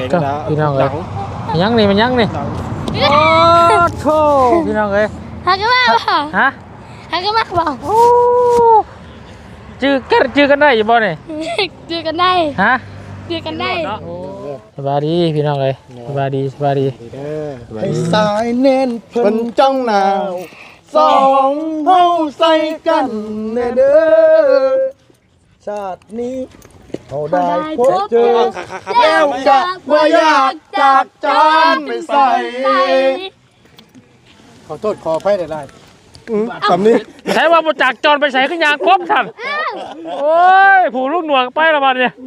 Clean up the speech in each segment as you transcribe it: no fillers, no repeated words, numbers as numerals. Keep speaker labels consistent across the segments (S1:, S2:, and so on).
S1: ก็พี่น้องเลยยังนี่มันยังนี่โอ้โธ่พี่น้องเลย
S2: ฮักกันมากบ่
S1: ฮะ
S2: ฮักกันมากบ่
S1: โอ้จื้อกันได้อยู่บ่เนี่ย
S2: จื้อกันได้
S1: ฮะ
S2: จื้อกันได้
S1: สบายดีพี่น้องเลยสบายดี
S3: ให้สายเน้นเพิ่นจ้องหนาวสองเฮาใส่กันเด้อชาตินี้เขาได้พบเจอแล้วจะบ่อยากจากจานไปใส่ขอโทษขออภัยได้สำนี้
S1: ใช้ว่ามาจากจรไปใส่ขึ้นยางครบท่านโอ้ยผูลูกหน่วงไปละบัดเนี่ย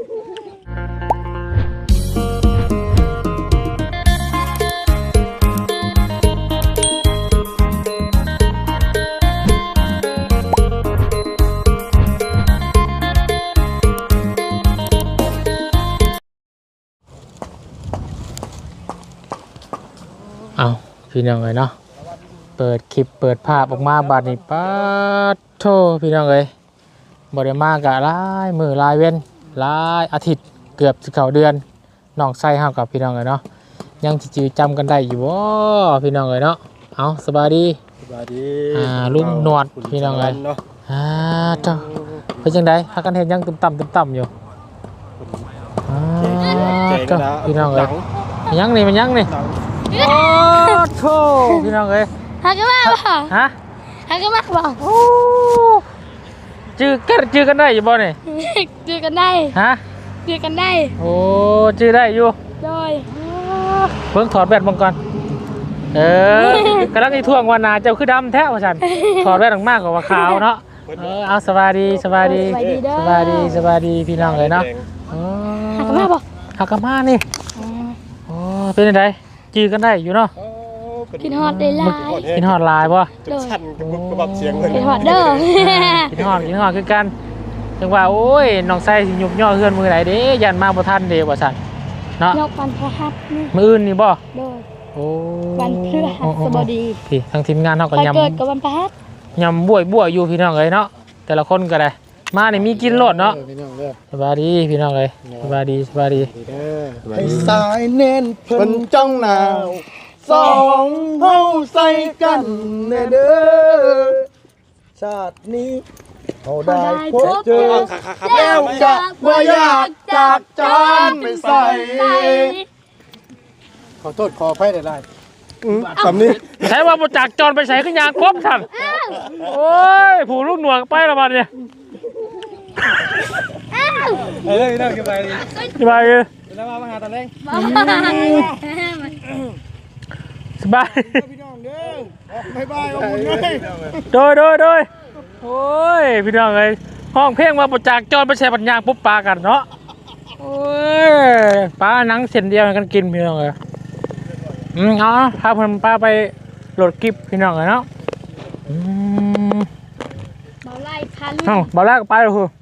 S1: เอาพี่น้องเลยเนาะเปิดคลิปเปิดภาพออกมาบัดนี้ป๊าดโธ่พี่น้องเลยบ่ได้มากะหลายมื้อหลายเว้นหลายอาทิตย์เกือบสิเข้าเดือนน้องไส้เฮากับพี่น้องเลยเนาะยังสิจื้อจำกันได้อยู่บ่พี่น้องเลยเนาะเอาสบายดีลุงหนวดพี่น้องเลยเจ้าเป็นจังได๋พากันเฮ็ดยังต่ำๆอยู่เจ้าพี่น้องเลยยังนี่มันยังนี่โอ้โธ่พี่น้องเอ้ย
S2: ฮักกันมากบ่
S1: ฮะ
S2: ฮักกันมากบ่
S1: โอ้จื้อกันได้อยู่บ่เนี่ย
S2: จื้อกันได้
S1: ฮะ
S2: จื้อกันได้
S1: โอ้จื้อได้อยู่
S2: โดย
S1: เพิ่งถอดแบตบังก่อนกำลังอีท่วงวันนาเจ้าคือดำแท้ว่าฉันถอดแบตออกมากกว่าขาวเนาะเอาสบายดีพี่น้องเลยเนาะ
S2: ฮักกันมากบ่
S1: ฮักกันมากนี่โอ้เป็นยังไงจื้อกันได้อยู่เนาะ
S2: กินฮอดได้หลาย
S1: กินฮอดลายป่ะ
S3: ชั้นกับเสียงเลย
S2: กินฮอดเด้อ
S1: กินฮอดคือกันจังว่าโอ้ยน้องไส้สิยุบย่อเฮือนมือไหนเด้ยันมาบ่ทันเด้ว่าซั่นเนาะ
S2: ยกวันพฤหัสนี่
S1: มื้ออื่นนี่บ่
S2: โดย
S1: โอ้
S2: วันพฤหัสบดี
S1: พี่ทางทีมงานเฮาก็ยำ
S2: เกิดกับวันพฤหัส
S1: ยำบวยอยู่พี่น้องเอ้ยเนาะแต่ละคนก็ได้มานี่มีกินโลดเนาะสบายดีพี่น้องเอ้ยสบายดี
S3: ให้สายเน้นเพิ่นจ้องหนาวสองเฮาใส่กันเด้อชาตินี้เขาได้พบเจอแล้วจะบ่อยากจากจานไปใส่ขอโทษขออภัยได้สำนี้
S1: ใช้ว่ามาจากจรไปใส่ขึ้นยางครบท่านโอ้ยผูลูกหน่วงไปละบัดเนี่ย
S3: น่าสบายดีแล้วมาหาตอนแรก
S1: สบาย
S3: พี่น้องเด้อบายขอบคุณเลย
S1: โดยโอ้ยพี่น้องเลยห้องเพลงมาประจากจอนไปแช่ปัญญาปุ๊บปลากันเนาะโอ้ยปลาหนังเส้นเดียวกันกินพี่น้องเลยเอาพาเพื่อนปลาไปโหลดคลิปพี่น้องเลยเนาะ
S2: เบาไล่พัน
S1: เบาไล่ก็ไปเลยคือ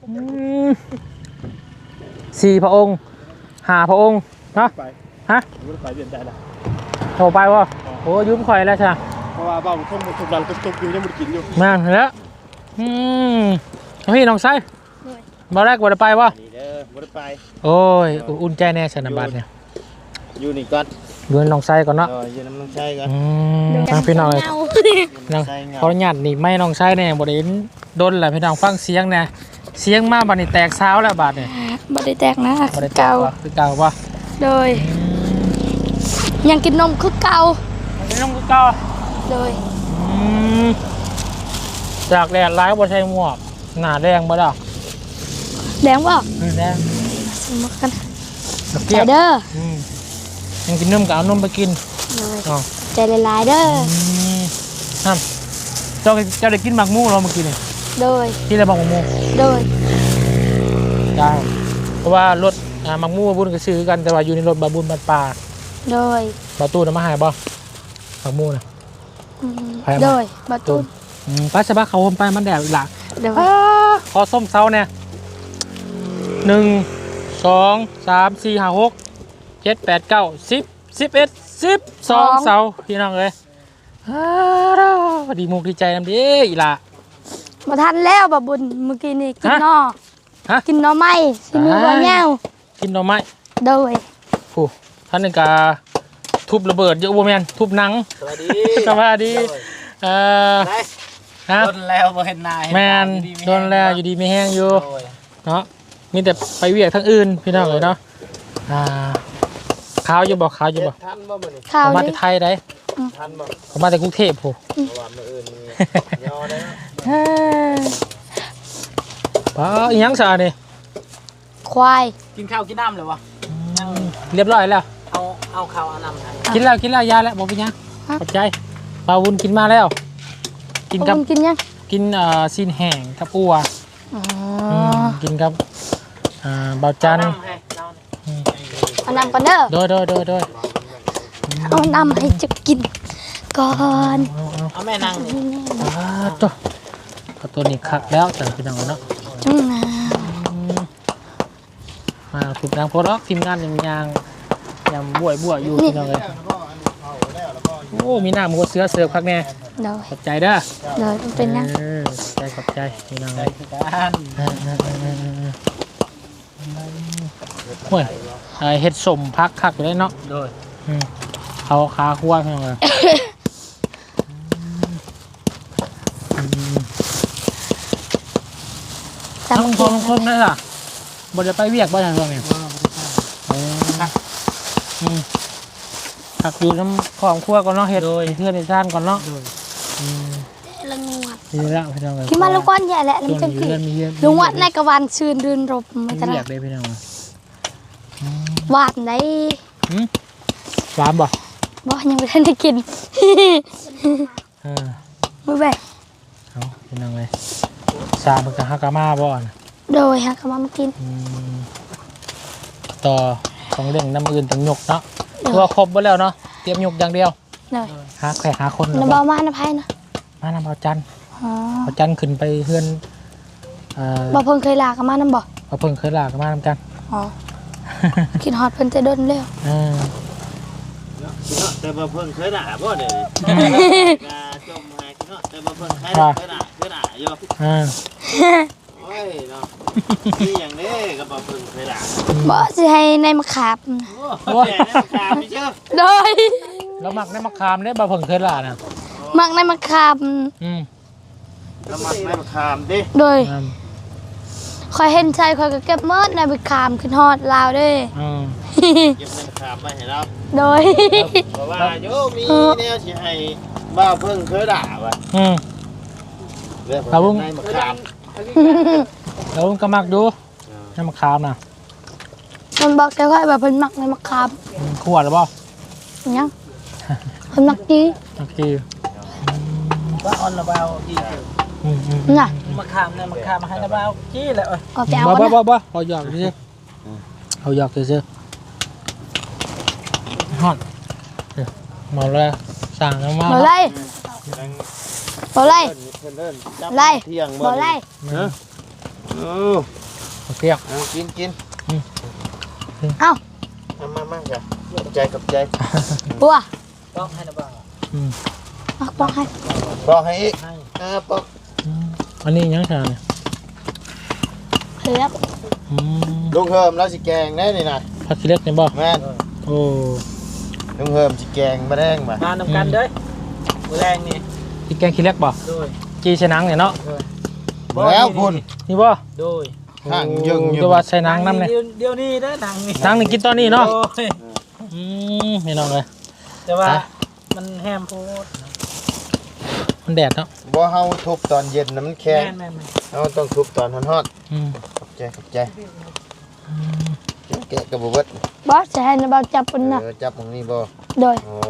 S1: 4 พระองค์5 พระองค์เนาะฮะ
S3: ไปเปลี่ยนใจละ
S1: โทรไปวะโอ้ยืมข่อยแล้วใช่ไหม
S3: เพราะว่าบ้าผมต้องถูกดันตุกอยู่ยังไม่กินอยู่
S1: มาแล้วพี่น้องไส้มาแรกวันไปวะ
S3: วันไป
S1: โอ้ยอุ่นใจแน่สนามบัตรเนี่ย
S3: อยู่นี่ก่อน
S1: ดูน้องไส้ก่อนเนาะ
S3: อยู่น้องไส้ก่อน
S1: ทางพี่น้องเลยเขาหยัดนี่ไม่น้องไส้เนี่ยบริเวณโดนแหละพี่น้องฟังเสียงเนี่ยเสียงมากบัตรนี่แตกเช้าแล้วบัตรเนี่ย
S2: บัตรได้แตกนะเก่า
S1: คือเก่าปะ
S2: โดยยังกินนมคือเก่า
S1: กินนมคือเก่า
S2: โดย
S1: จากแดดร้ายบนใช้หมวกหนาแดงบ่ดอก
S2: แดงบ่
S1: แดง
S2: สมกันใจเด้อ
S1: ยังกินนมกับเอานมไปกิน
S2: ใจละลายเด้อ
S1: เจ้าได้กินหมักมูเราเมื่อกี้นี่
S2: โดย
S1: กินอะไรหมักมู
S2: โดย
S1: ได้เพราะว่ารถหมักมูบุญก็ซื้อกันแต่ว่าอยู่ในรถบาบุญบัดป่า
S2: โดย
S1: บาตู้น่ะมาหายบ่หมักมูนะ
S2: โดยบาตู้
S1: ป้าสะบักเขาไปมันแดดหลักขอส้มเซาเนี่ย1 2 3 4 5 6 7 8 9 10 11 12เสาพี่น้องเลยดีมุกดีใจน้ำดีอีหล่ะ
S2: มาทันแล้วบาบุญเมื่อกี้นี่กินนอกินนอไม้ที่มือวันเงา
S1: กินนอไม้
S2: โดย
S1: ผู้ท่านนึงกาทุบระเบิดเยอะบ่แม่นทุบหนัง
S3: สวัสดี
S1: สวัสดีฮะ
S3: โดนแล้วบ่เห็นหน้า
S1: แม่นโดนแล้วอยู่ดีไม่แห้งอยู่เนาะมีแต่ไปเวียกทั้งอื่นพี่น้องเลยเนาะขาวอยู่บ่ขาวอยู่บ่
S3: ทันบ่มื้อนี้
S2: ข้าว
S1: เขามา
S2: ดิ
S1: แต่ไทยได้
S3: ทันบ่
S1: เขามาแต่กรุงเทพผู้
S3: เพราะว่ามื้ออื่นมียอได้เนาะ
S1: ป้าอีหยังซะนี่
S2: ควาย
S4: กินข้าวกินน้ำเลยวะ
S1: เรียบร้อยแล้ว
S4: เอาข้าวเอาน้ำให้
S1: กินแล้วยาแล้วบ่เป็นหยังขอบใจปลาวุ้นกินมาแล้ว กินกับ
S2: กินยัง
S1: กินซีนแห้งกับอัว
S2: อ๋อ
S1: กินกับเบาจัน
S4: น้ำให้เราเนี่ย
S2: เอาน้ำก่อนเด้อ
S1: โดย
S2: เอาน้ำให้จะกินก่อน
S4: เอาแม่นั่งนี่
S1: ตัวนี้คักแล้วจังพี่น้องเนาะ
S2: จุ่มน้
S1: มาถูกนางโพล็อกทีมงานยังบวอยู่พี่น้องเลยโอ้มีหน้าหมูเสือเสิร์ฟคักแน่
S2: ำเดี๋ยว
S1: ขอบใจเด้อ
S2: เดี๋ยวมันเป็นยัง
S1: ขอบใจพี่น้องเล
S4: ได้
S1: ย
S4: คือกัน
S1: โอ้ยเฮ็ดสมพักคักอยู่เลยเนาะ
S4: โดย
S1: เขาขาคั่วพี่น้องเลย
S2: จับ
S1: ทั้งพ
S2: กิ
S1: อน ทั้งคนนั่นล่ะบ่ได้ไปเวียกบ่ทางตรงนี้ผักอยู่น้ำของคั่วก่อนเนาะเฮ็ดเพื่อนในชานก่อนเนาะ
S2: ละงวด
S1: ดีแล้วพี่น้องเลย
S2: กินมาแล้วก้อนใหญ่แหละแล้ว
S1: ช่
S2: มั
S1: วน ง
S2: จะ
S1: นี้
S2: กิน
S1: มีเพื่อน
S2: ลุงวัดในกระวานชื่นรื่นรบไม่ต
S1: เวี
S2: ลาย
S1: กเลยพี่น้อง
S2: วาดไหน
S1: หวานบ่
S2: บ่ยังไม่ทันได้กิน มือแบก
S1: เอาพี่น้องเลยซามันกับฮากามาบ่อน
S2: โดยฮะเขามากิน
S1: ต่อของเรื่องน้ำอื่นต้องยกเนาะตัวครบหมดแล้วเนาะเตรียมยกอย่างเดียว
S2: เลย
S1: หาแขกหาคน
S2: น้ำเบามาน้ำไผ่นะ
S1: มานำเอาจัน
S2: อ๋อ
S1: เอาจันขึ้นไปเพื่อน
S2: บ่เพิ่งเคยลากับมาน้ำบ่
S1: เอาเพิ่งเคยลากันมานำจัน
S2: อ๋อกินฮอตเพิ่นจะโดนเร็ว
S3: แต่บ่เพิ่งเคยด่าบ่เด้กาจมหายเนาะแต่บ่เพิ่งเคยด่าอยู่โอ้ยเนาะนี่อย่างนี้ก็บ่เพิ่งเคยด่า
S2: บ่สิให้ในมะขาม
S3: โอ้ยแม่ตามไม่เชื่อ
S2: โดย
S1: แล้วมักได้มะขามได้บ่เพิ่งเคยลาน่ะ
S2: มักในมะขาม
S3: แล้วมักไม่มาคามดิ
S2: โดยคอยเห็นใจคอยก็เก็บเมิดในมะขามขึ้นฮอดลาวเด้
S3: เก็บไม่มาคามไม่ให้เรา
S2: โดย
S3: เพราะว่าโยมีแนวสิให้บ่าวเพิ่งเคยด่าว่ะเรื่องของไม่มาคาม
S1: แล้วก็มักดูน้ำมะขามน่ะ
S2: มันบอกแต่ว่าแบบเพิ่นมักในมะขาม
S1: ขวดหรือเปล่า
S2: ยังเพิ่นมักดี
S1: โอเค
S4: ว่าออนระเบาที่
S2: น่ะ
S4: มาขามเนี่ยมาขามมาให้ระเบาจี้เลย
S2: เอาไปเอาก่อนนะ
S1: บ่เอาหยอกซื่อเอาหยอกซื่อฮอดมาแล้วสั่งแล้วมา
S2: บ่ไล่บ่ไล่ ไล่
S3: เที่ยง
S2: บ่ไล่
S1: เพียง
S3: กิน
S2: เอ้า
S3: มาจ้ะกับใจ
S2: บัว
S4: ต้องให้ระเบา
S2: เอาบอกให้
S3: บอกให้อีกบอก
S1: อันนี้ยังไงเนี่ย
S2: เลือก
S3: ลุงเฮิมแล้วสิแกงได้นี่นะ
S1: ผักขี้เล็กเนี่ยบ่
S3: แม่น
S1: โอ้
S3: ลุงเฮิมสิแกงมาแดงมา
S4: มานำกันเด้อมือแรงนี่
S1: ที่แกงขี้เล็กบ่
S4: โดย
S1: จีใส่หนังเนี่ยเนาะ
S3: แล้วคุณ
S1: นี่บ่
S4: โดย
S3: ข้างยึงอยู่
S1: ตัวว่าใส่หนังน้ำเนี่ย
S4: เดี๋ยวนี้เด้อหนังนี่
S1: หนังนี่กินตอนนี้เนาะ
S4: โดย
S1: ไม่น้องเลย
S4: แต่ว่ามันแฮมโพด
S1: มันแดดเนาะ
S3: บ่เฮาทุบตอนเย็นนะมันแข็ง
S4: แม่น
S3: เฮาต้องทุบตอนฮ้อน
S1: อืม
S3: ๆขอบใจแกะกระบอกเบิด
S2: บอสจะให้นบาจับปุ่นนะ
S3: จับตรงนี้บ่
S2: โดย
S3: โอ้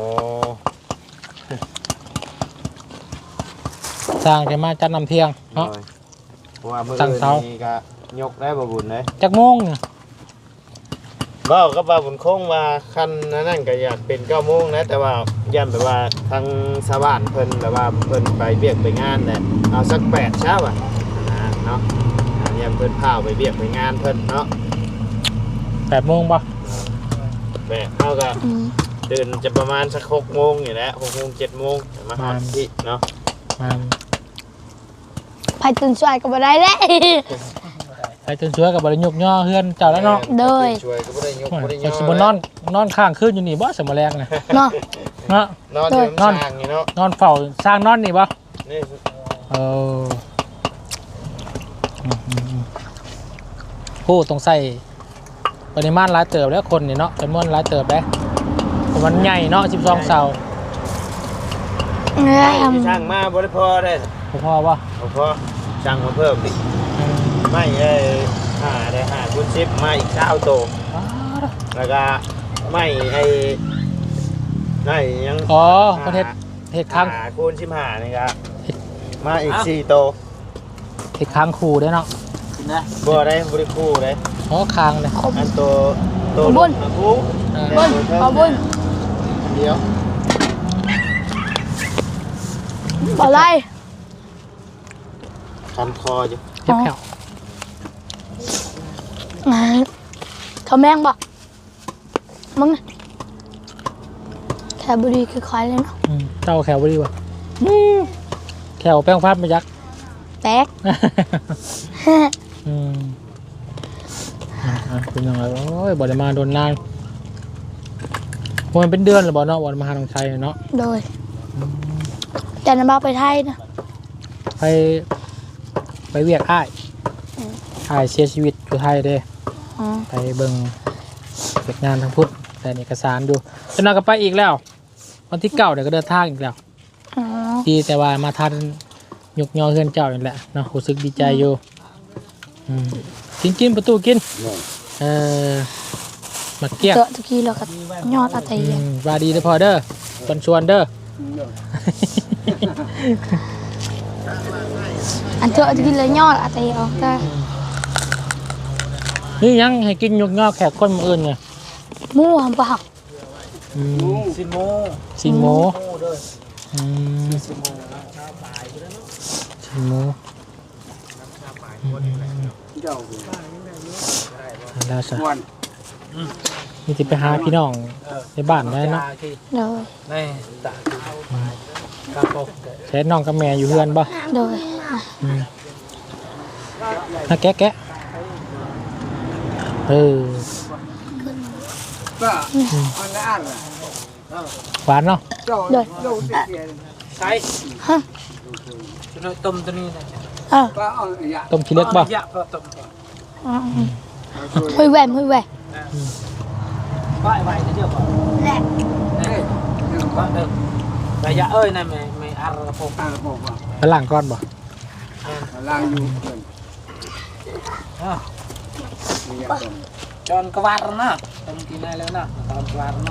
S1: สร้างจะมาจัดน้ำเที่ยงเนาะ
S3: เพราะว่ามื้อ
S1: ตั้งเสา
S3: นี้ก็ยกได้บ่บุญเลย
S1: จักโมงเนี่ย
S3: บ่ก็บ่าบุญคงว่าคันนั่นก็อยากเป็น9:00 นนะแต่ว่าย่านแบบว่าทางชาวบ้านเพิ่นแบบว่าเพิ่นไปเวียกไปงานแหละเอาสัก8เช้าอ่ะเนาะย่านเพิ่นพาไปเวียกไปงานเพิ่นเนาะ
S1: 8 โมงป่ะ
S3: แม่เฮาก็เดินจะประมาณสัก6:00 นอยู่แล้ว6:00 น 7:00 นมาฮอดที่เนาะ
S1: มา
S2: ไปตื่นสายก็บ่ได้เลย
S1: ไปจนช่วยกับบริยุกย่อเฮือนเจ้าแล้วเนาะ
S2: โดย
S3: ช่วยก็บ่ได้ยกบ่ได้
S1: คนสิบนอนข้างคืนอยู่นี่บ่สมแรงนะ
S2: เนาะ
S1: เนาะ
S3: นอนอยู่น้ำสร้างนี่เนาะ
S1: นอนเฝ้าสร้างนอนนี่บ่
S3: นี่
S1: เออผู้ต้องใส่ปริมาณหลายเติบแล้วคนนี่เนาะจำนวนหลายเติบแล้วมันใหญ่เนาะ12เสา
S3: ที่ช่างมาบ่ได้พอได้
S1: พอป่ะ
S3: บ่พอช่างมาเพิ่มดิไม่ได้5คูณ10มาอีก20โตแล้วก็ไม่ได้ยัง
S1: อ๋อประเทศเห็ดค้าง
S3: 5คูณ15นี่ครับมาอีก4โต
S1: เห็ดค้างคูได้เนาะ
S4: กินนะ
S3: บ่ได้บ่ได้คู่ได้
S1: อ๋อค้างเลย
S3: อันโตบุญคู่
S2: บุญขอบุญ
S3: เดียว
S2: บ่ไร
S3: คันคออยู่
S1: เจ็บแผ่ว
S2: เขาแมงบ่มึงแค่บุรีคือคอยเลยเนาะ
S1: เจ้าแขวบดีป่ะแขวแป้งพัดมายักษ์
S2: แป๊ก
S1: เป็นยังไงโอ้ยบ่ได้มาโดนนานมันเป็นเดือนหรือบ่เนาะวันมาหาทางไทยเนาะ
S2: โดยแต่น้ำบ้าไปไทยนะ
S1: ไปเวียกอ้ายเสียชีวิตอยู่ไทยเด้
S2: อ๋อ
S1: ไปเบิ่งเก็บงานทางพุทธแต่เอกสารดูจะนอนก็ไปอีกแล้ววันที่9เดี๋ยวก็เดินทางอีกแล้ว
S2: อ๋อ
S1: ดีแต่ว่ามาทันยกยอเฮือนเจ้านี่แหละเนาะรู้สึกดีใจอยู่กินประตูกินมาเกี้ยง
S2: เจอตะกี้เราก็ยอดอะไรอย่าง
S1: ว่าดีเด้อพอเด้อชวนเด้อ
S2: อันเจอตะกี้เลยยอดอะไรออกได้
S1: นี่ยังให้กินยกยอแขกคนมาอื่นไง
S2: หมู่หำปะหัก
S4: ซิโม
S1: สินโม
S4: เด้อ
S1: สินโมแล้วสิมีที่ไปหาพี่น้องในบ้านได้เนาะ
S2: โดย
S4: นี่ตะกาโปก
S1: ใช้น้องกับแม่อยู่เฮือนบ่
S2: โดย
S1: แกะหวานเนาะ
S2: โดย
S4: ใช่ต้มตัวนี้นะ
S1: ต้มขี้เล็กบ่
S4: ยะก็ต้ม
S2: หุยแหวนหุยแหวน
S4: ไหวจะเดียวก่อนแหละก็เดิมระยะเอ้ยนั่นไม่อารพง
S1: ไปล้างก้อนบ่
S3: ล่างอยู่
S4: จอนกวาดนะต้มกินได้แล้วนะตอนกวาดนะ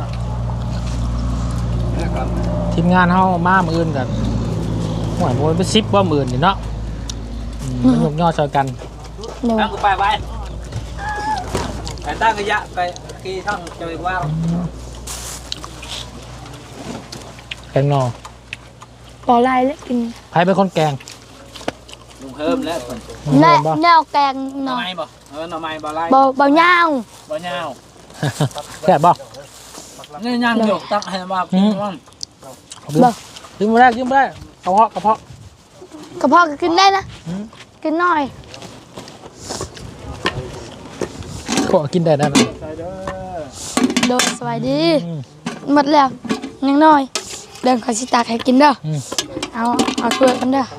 S1: ทีมงานเฮามามื้ออื่นกันหวยมันเป็น10บ่มื้อนี่เนาะมันยกยอช่วยกัน
S2: โดย
S4: ตั้งกูไปตั้งระยะไปกี่ช่องจะไปว่า
S1: แกงนอ
S2: ปอไล่แล้วกิน
S1: ใครเป็นคนแกง
S4: ลุงเพิ่มแล้ว
S2: แน่แนวแกง
S4: ห
S2: ห
S4: น่
S2: น่
S4: อ
S2: อย
S4: ไม้บ่หน่อไม้บ่ไล่
S2: บ่ยาว
S4: บ่ยาว
S1: แซ่บบ่
S4: นี่ย่างหยกตั้งให้มากินว่า
S1: ยืมมาได้กระเพาะ
S2: กระเพาะก็กินได้นะกินหน่อย
S1: ก็กินได้นะ
S2: โดยสวัสดีหมดแล้วยังน้อยเดินขอสิตากให้กินเด้อเอาช่วยกันเด้อ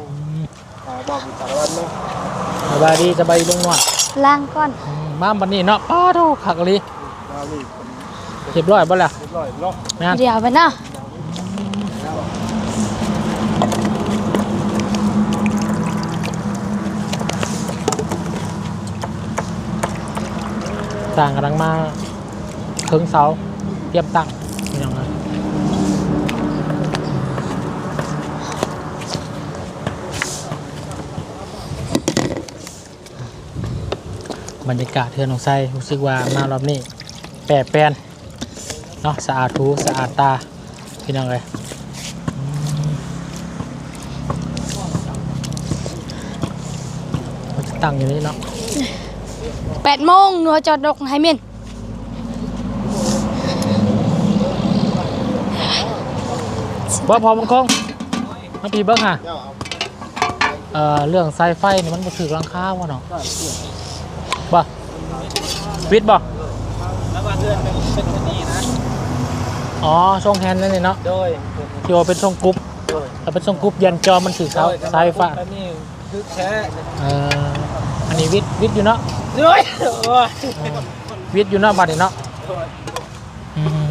S1: สบายดีสบายลงหน่อย
S2: ล้างก่อน
S1: มาบันนี้เนาะป้าโธ่ขักเลยเรียบร้อยบ่ล่ะแม่น
S2: เดี๋ยวไปเนาะ
S1: ต่างกำลังมาเครื่องเสาเตรียมตั้งอย่างไรบรรยากาศเทือนของไส้รู้สึกว่ามารอบนี้แปรแปรนเนาะสะอาดหูสะอาดตาพี่น้องเลยมันจะตั้งอยู่นี่เนาะ
S2: 8 โมงหนัวจอดดกให้เม่น
S1: บ่พอมันคงมาปีเบิ้งฮะเรื่องสายไฟนี่มันบ่ถือรังคาวะเนาะวิทย์บ่
S4: แล้วว่าเดือนเป็นคนนี้นะ
S1: อ๋อทรงแฮนด์นั่นนี่เนาะ
S4: โดย
S1: ที่ว่าเป็นทรงกรุ๊ป
S4: โดย
S1: ถ้าเป็นทรงกรุ๊ปยันจอมันถือเสาสายไฟฟ้า
S4: อันนี้คือแค่
S1: อันนี้วิทย์อยู่เนาะ
S4: โอ้ยโอ้ย
S1: วิทย์อยู่เนาะบัดนี้เนาะอืม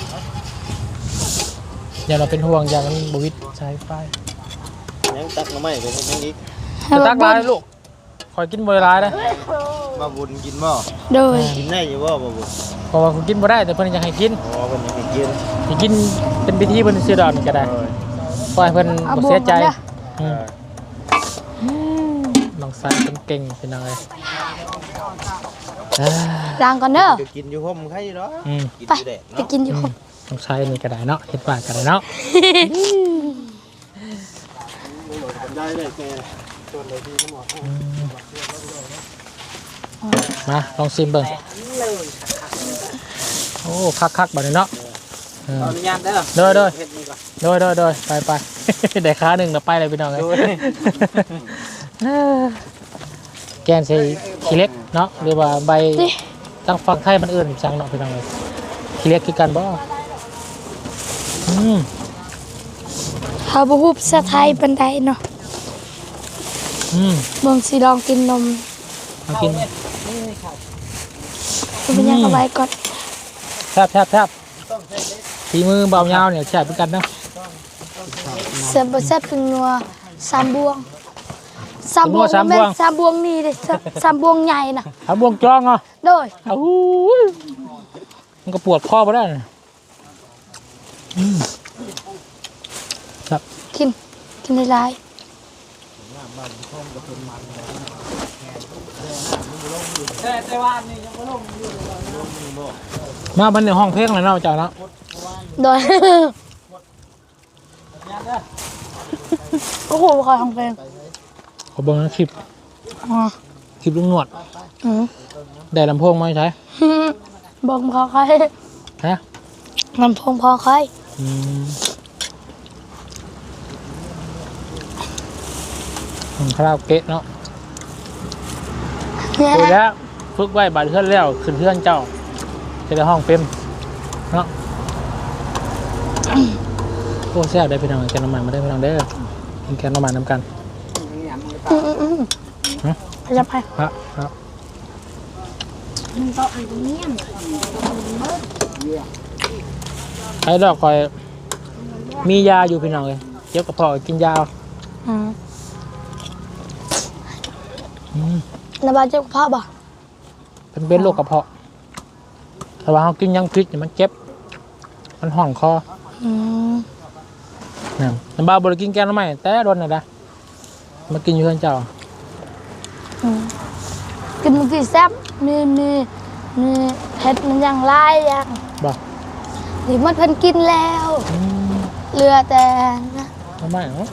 S1: อย่าเราเป็นห่วงอย่ามันบวิทย์สายไฟ
S3: ยังตักมาไม่ไปยังอีก
S1: จะตักร้ายลูกคอยกินบ่ได้ร้ายนะ
S3: มาบุญกินบ่
S2: โดย
S3: กินได้อยู่บ่มาบุญ
S1: เพราะว่าคุณกินบ่ได้แต่เพิ่นอยากให้กิน
S3: อ๋อเพิ่นยังให้กิน
S1: ให้กินเป็นพิธีเพิ่นซื้อดอกนี่ก็ได้ปล่อยเพิ่น
S2: เอา
S1: บ่
S2: บว
S1: เสีย
S2: ก
S1: ใจ
S2: มาเด้อ
S1: อืมน้องสายเป็นเก่งเป็นอะไร
S2: ล้างก่อนเด้อ
S3: ก็กินอยู่ห่มใครอยู่เนาะ
S1: อืม
S3: กิน
S2: ไป
S3: อยู่แดด
S2: ไป
S3: เนาะ
S2: กินอยู่ครับ
S1: น้องสายนี่ก็ได้เนาะเฮ็ดปากก็ได้เนาะ
S3: ได้เลยแก
S1: มาลองชิมเบิ่งโอ้คักๆบัดนี้เนาะ
S4: ขออนุญาตเด้อ
S1: เด้อเด้อ
S4: เฮ็ดนี่ก่อน
S1: โดยไป ได้ขาหนึ่งแล้วไปเลยพี่น้องเลย
S4: โดย
S1: แกนใส่ขี้เล็กเนาะหรือว่าใบตั้งฟังไทยมันอื่นจังเนาะพี่น้องเลยขี้เล็กคือกันบ่อืม
S2: เฮาบ่ฮู้ภาษาไทยปานใดเนาะ
S1: อืม
S2: เบิ่งสิลองกินนม
S1: มากิน
S2: เป็นยังเอาไว้ก่อน
S1: แทบฝีมือเบายาวเนี่ยแซ่บเหมือนกันเนาะ
S2: เสียบบ่แซ่บเป็นนัวสามบวงสามบวงแม่นสามบวงนี่เด้สามบวงใหญ่น่ะ
S1: เอาบวงจองเหรอ
S2: โดย
S1: เอามันก็ปวดคอไปได้นะอืมครับ
S2: กินได้หลาย
S4: แต่ว่านี่ยังบ่ลงอยู่
S1: มาบันในห้องเพลงเลยเนาะเจ้าเนาะ
S2: โดย
S4: ญาติเด้อ
S2: โอ้โหขอทำเพลง
S1: ขอเบิ่งนะคลิป
S2: อ๋อ
S1: คลิปลุงหนวด
S2: อืม
S1: ได้ลำโพงไหมใช่
S2: บอกพอใคร
S1: ฮะ
S2: ลำโพงพอใคร
S1: อืมคาราโอเกะเนาะ
S2: เนี่ย
S1: คุยแล้วฝึกไว้บาดเพื่อนแล้วขึ้นเพื่อนเจ้าจะได้ห้องเป็นเนาะโอ้แซ่บได้พี่น้องแกงน้ำมันมาได้พี่น้องเด้อกินแกงน้ำมันน้ำกัน
S2: พยับไป
S1: ครับไอ้ดอกคอยมียาอยู่พี่น้องเลยเจ็บกระเพาะกินยาเอา
S2: นาบาเจ็บกระเพาะบ่
S1: เป็นโรคกระเพาะแต่ว่าเขากินยังพิษเนี่ยมันเจ็บมันห่องคอ
S2: อืม
S1: เนี่ยน้ำบ้าบริกินแกงน้ำมันแต่โดนน่ะนะมากินอยู่เพื่อนเจ้า
S2: กินมันกี่แซ่บมีเผ็ดมันยังไล่ยัง
S1: บ่
S2: หรือมันเพิ่นกินแล้ว
S1: อืม
S2: เหลือแต่นะ
S1: น้ำมันเนาะ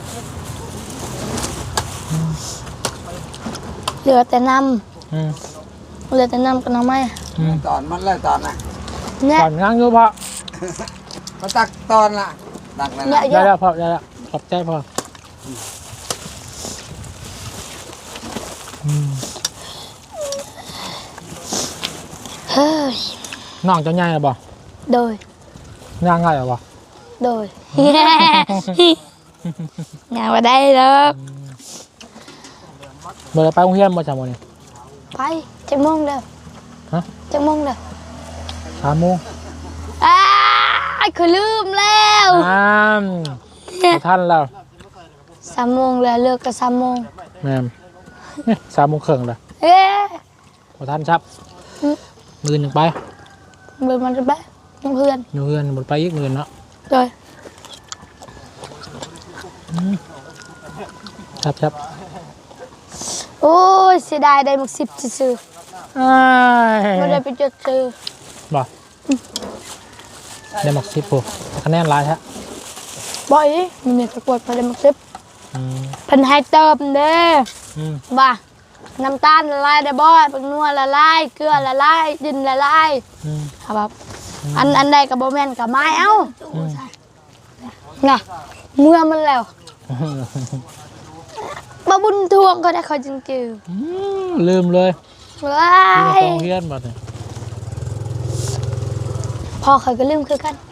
S2: เหลือแต่น้
S1: อืม
S2: ำเหลือแต่น้ำกับน้ำไม้
S1: อืม
S4: ตอนมันเลยตอนน่ะ
S2: เนี่ย
S1: ก่อนง้างอยู่พอ
S4: มาตักตอนล่ะตักนั่น
S2: เนี่ย
S4: น่ะ
S2: เย
S1: ได้
S2: อะ
S1: แล้วพอได้แล้วขอบใจพออืม
S2: เฮ้ย
S1: น้องเจ้าใหญ่หรือบ่
S2: โดย
S1: ย่างง่ายหรือบ่
S2: โดย งานมาได้แล้ว
S1: เมื่อไรไปโรงเรียนบ่จำวันนี้
S2: ไปจังมงเด้อ
S1: ฮะ
S2: จังมงเด้อ
S1: 3 โมง
S2: อ้าคือลืมแล้ว
S1: บ่ทันแล้ว
S2: 3 โมงแล้วเลิกกับ3 โมง
S1: แม่ม3 โมงครึ่งแล้ว
S2: เอ๊ะ
S1: บ่ทันครับ
S2: อืม
S1: มื้อนึงไป
S2: เบิ่งมันจะไปเพื่อน
S1: อยู่เฮือนบ่ไปอีกมื้อเนาะ
S2: โดย
S1: ครับ
S2: โอ้ยเสียดายได้มัก10ซื่อ
S1: อ้า
S2: ๆบ่ได้
S1: ย
S2: ไปจดซื้อ
S1: บ่ได้มัก10พุ่นคะแนนหลายแท้
S2: บ่อีมีตะกวดพอได้มัก10
S1: อืม
S2: เพิ่นให้เติมเด้อ
S1: อืม
S2: บ่าน้ำตาลละลายได้บ่ปักนัวละลายเกลือละลายดินละลาย
S1: อืม
S2: ครับอันใดก็บ่แม่นก็ไม้เอ้า
S1: อืม
S2: น่ะเมื่อมันแล้วบ่บุญทวงก็ได้เขาจริง
S1: ลืมเลย
S2: ๆว้า
S1: ลืม
S2: ย
S1: โรงเรียนบ่เนี่ย
S2: พ่อเคยก็ลืมคือกัน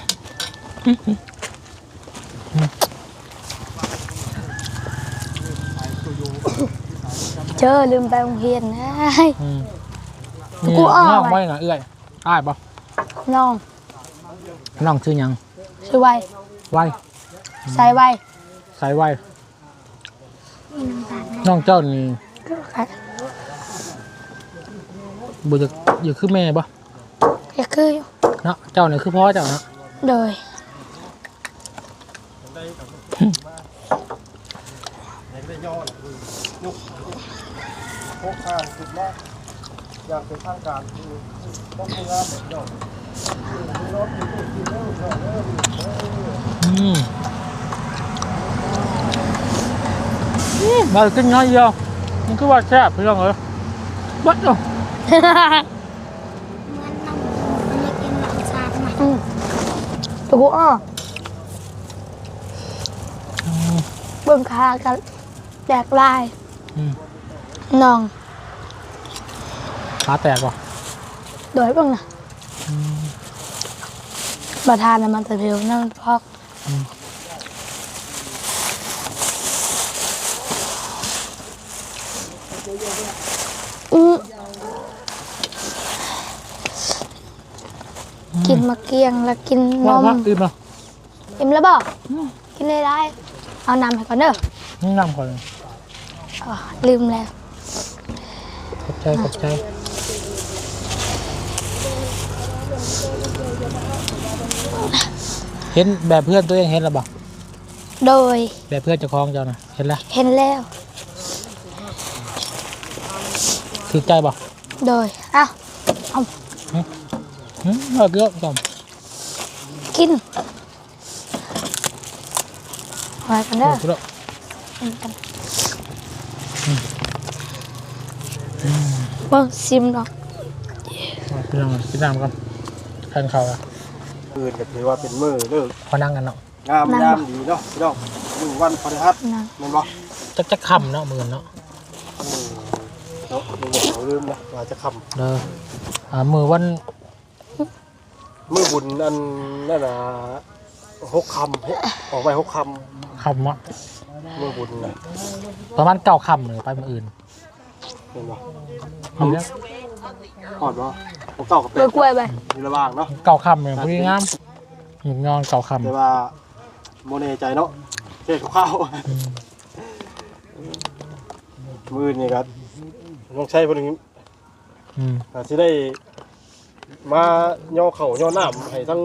S2: เจอลืมไปโรงเรียนนะ กูอ้อ
S1: น้อง
S2: ไว้
S1: ไว้น่ะเอื้อยอ้ายบ่
S2: น้อง
S1: น้องชื่อหยัง
S2: ชื่อไว
S1: ไว้
S2: ใส่ไว
S1: สายไว้น้องเจ้านี่บ่จะอยู่คือแม่บ่
S2: ก็คืออยู่
S1: เนาะเจ้านี่คือพ่อเจ้าเนาะ
S2: โดย
S3: พกข้างสุดละอย่างเป็นทางการคือต้องพยายามเดี๋ยวรถมีกินเรื่องเรื่อง
S1: มากินน้อยเดียวมันคือว่าแซ่บพี่น้องเอ้ยบัดเนาะ
S2: ตัวกูอ้อเบิ่งคากันแตกลาย
S1: อืม
S2: น้อง
S1: ขาแตกบ่
S2: โดยเบิ่งนะประธานน่ะมันจะเพลวนั่งพอกกินมะเกียงแล้วกินน
S1: ว่าม อิ่มแล้ว
S2: อิ่มแล้วบ่กินได้เอาน้ำให้ก่อนเด้อ
S1: น้ำก่อน
S2: อ๋อลืมแล้ว
S1: ขอบใจเห็นแบบเพื่อนตัวเองเห็นแล้วบ่
S2: โดย
S1: แบบเพื่อนเจ้าของเจ้าน่ะเห็นแล้ว
S2: เห็นแล้ว
S1: ถือใจบ่
S2: โดยอ้าว
S1: เอาเยอะก่อน
S2: กินไว้กันเด้อ
S1: เอาเยอะ
S2: กินกันบ่ซิมดอก
S1: เอาพี่น้องกินน้ำก่อนทานข้าวอ่ะ
S3: อื่นก็ถือว่าเป็นมือเลิก
S1: พอนั่งกันเนาะ
S3: งามยามดีเนาะพี่น้องมือวันพฤหัส
S2: นะ
S3: แม่นบ่
S1: จักคำเนาะมือเนาะ
S3: เนาะมือเขาลืมนะว่าจะค
S1: เด้อมือวัน
S3: ำมือบุญอันนั่นน่ะ6 คำออกไป6 ค
S1: คำวะ
S3: ำมือบุญนะ
S1: ประมาณ9คำเลยไปมืออื่น
S3: เห็นบ่
S1: มีแล้ว
S3: หอดบ่ผมเก่ากับ
S2: เบื่อกล้วยไป
S3: มีระหว่างเนาะ
S1: 9คำเลยพอดีงามหยุดนอน9คำ
S3: แต่ว่าโมเนใจเนาะเทศข้าวมือนี่ครับต้องใช้พวกนี้ อาจจะได้มาย่อเข่าย่อหน้าให้ทั้ง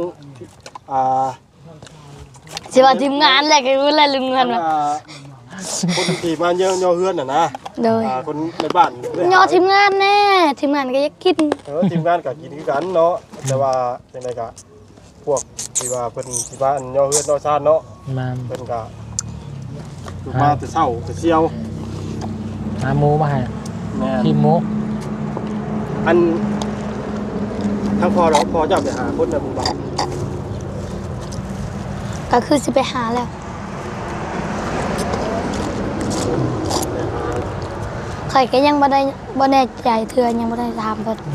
S2: สิว่าทีมงานแหละก็รู้แหละลืมเงิน
S3: ทั้
S2: ว่ะ
S3: คนที่มาย่อเฮือนน่ะนะ
S2: โดย
S3: คนในบ้าน
S2: ยอทีมงานแน่ทีมงานก็อยากกิน
S3: ทีมงานก็กินคือกันเนาะแต่ว่าจังไดก็พวกที่ว่าเพิ่นที่บ้านย่อเฮือนย่อชาติเนาะ
S1: มา
S3: เพิ่นก็มาแต่เช้าแต่เช้า
S1: หาหมูมาให้
S3: แม่
S1: ขี้หมู
S3: อันทั้งพอเราพอจะไปหาคนในหมู่บ้าน
S2: ก็คือสิไปหาแล้วข่อยก็ยังบ่แน่ใจเทื่อยังบ่ได้ถามเพิ่น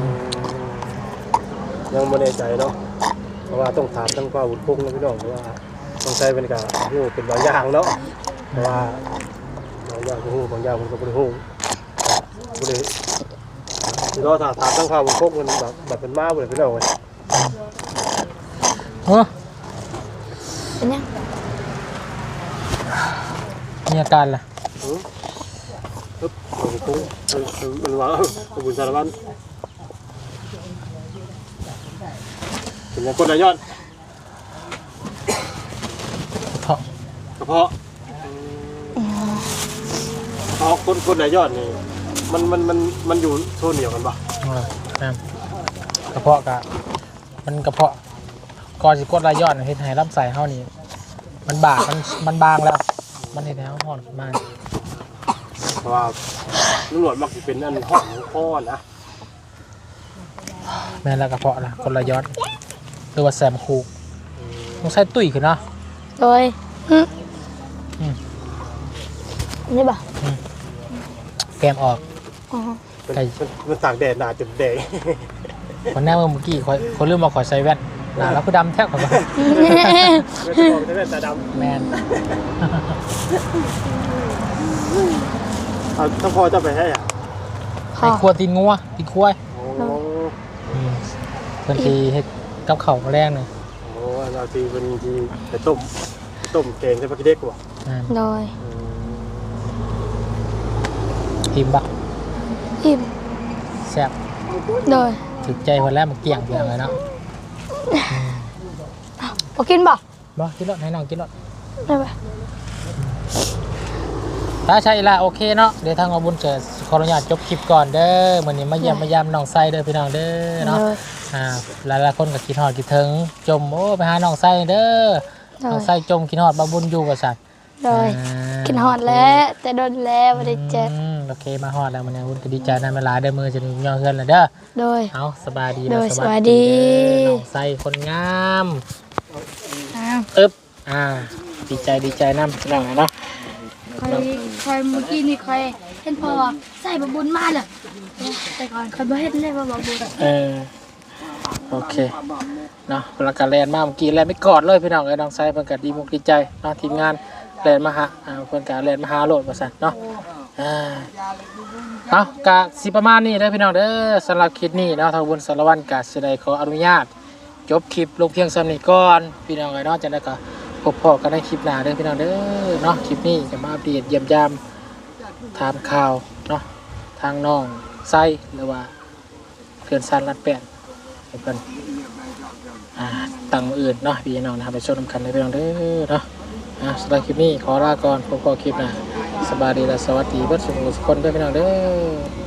S3: ยังไม่แน่ใจเนาะเพราะว่าต้องถามทั้งป้าบุญพงษ์นะพี่น้องเพราะว่าต้องใช้เป็นการรู้เป็นบางอย่างเนาะเพราะว่าบางอย่างก็รู้บางอย่างมันก็ไม่รู้บ่ได้ที่เราถามทั้งป้าบุญพงษ์มันแบบเป็นม้าบ่ได้พี่น้องเว้ย
S1: เฮ้อ
S2: เป็นยัง
S1: มีอาการล่ะ
S3: ปึ๊บป้าบุญพงษ์มันว่าบุญสารวัตรเป็นยังคนละยอด
S1: ท้อง
S3: กระเพาะคนละยอดนี่มันอยู่โซนเดียวกันปะ
S1: น้ำกระเพาะกะมันกระเพาะก่อนสิกดรายยอดเฮ็ดให้ลำไส้เฮานี่มันบากมันบางแล้ว มันเฮ็ดให้เฮาฮ้อนขึ้นมา
S3: เพราะว่าตำรวจมักจะเป็นอันห้องของพ่อนะ
S1: แม่นแล้วกระเพาะล่ะคนละยอดหรือว่าแซมคูกต้องใช้ตุ้ยขึ้นเนาะ
S2: โดยนี่บ่
S1: แกมออก
S2: อ๋อ
S3: มันตากแดดหนาจนแดง
S1: คนแน่เมื่อกี้คนลืมมาขอใส่แว่นหน้าแล้วก็ดำแทบกับว่าแมน
S3: เอาถ้าพอจะไปให้อ่ะ
S1: ไอ้ครัวตีนงัวตีนควาย
S3: โอ้
S1: เพิ่นสิเฮ็ดกับข้าวแรงนึง
S3: โหเราทีเป็นทีไปต้มแกงใส่ปลาขี้เด็กว่ะ
S2: โดย
S1: อิ่มบัก
S2: อิ่ม
S1: แซ่บ
S2: โดย
S1: ถึกใจคนแรกมันเกี่ยงเพียงเลยเนาะ
S2: บ่กินบ่
S1: บ่กินรถให้น้องกินรถ
S2: ได้ปะ
S1: ถ้าใช่ละโอเคเนาะเดี๋ยวทางอบุญจะขออนุญาตจบคลิปก่อนเด้อมื้อนี้มาเยี่ยมมายามน้องไส้เด้อพี่น้องเด้อเนาะหลายๆคนก็คิดฮอดคิดถึงจมโอ้ไปหาน้องไส้เด้อน้องไส้จมคิดฮอดบ่บุญอยู่ว่าซั่น
S2: โดยกินฮอดแล้วแต่โดนแล้วบ่ได้เจ็บ
S1: โอเคมาฮอดแล้วมื้อนี้บุญก็ดีใจนำเวลาเด้อมื้อจะย่อเฮือนแล้วเด้อ
S2: โดย
S1: เอาสบายดี
S2: โด
S1: นะ
S2: ยสวัสดี
S1: น้องไส้คนงาม
S2: อ้าว
S1: อึ๊บดีใจนำพี่น้องเนาะ
S2: คอยเมื่อกี้นี่คอยเห็นพอใส่บะบุญมาเลยแต่ก่อนคอยบ่เห็นเลยว่าบะบุญ
S1: โอเคเนาะพลังการแลนมาเมื่อกี้แลนไม่กอดเลยพี่น้องน้องไส้เพิ่นก็ดีมุกดีใจเนาะทีมงานแลนมาหาเพิ่นก็แลนมาหาโลดว่าซั่นเนาะเอากะสิประมาณนี้เด้อพี่น้องเด้อสำหรับคลิปนี้เนาะทางบุญสารวัตรก็สิได้ขออนุญาตจบคลิปลงเพียงส่ำนี้ก่อนพี่น้องเนาะจังได๋ก็พบกันในคลิปหน้าเด้อพี่น้องเด้อเนาะคลิปนี้จะมาอัปเดตเยี่ยมยามถามข่าวเนาะทางน้องไส้หรือว่าเพื่อนซันรัดแปดให้เพิ่นตั้งมืออื่นเนาะพี่น้องนะครับไปชมนำกันในพี่น้องเด้อเนาะสำหรับคลิปนี้ขอลาก่อนพบกันคลิปหน้าสบายดีและสวัสดีเพื่อนสุขสุขคนเด้อพี่น้องเด้อ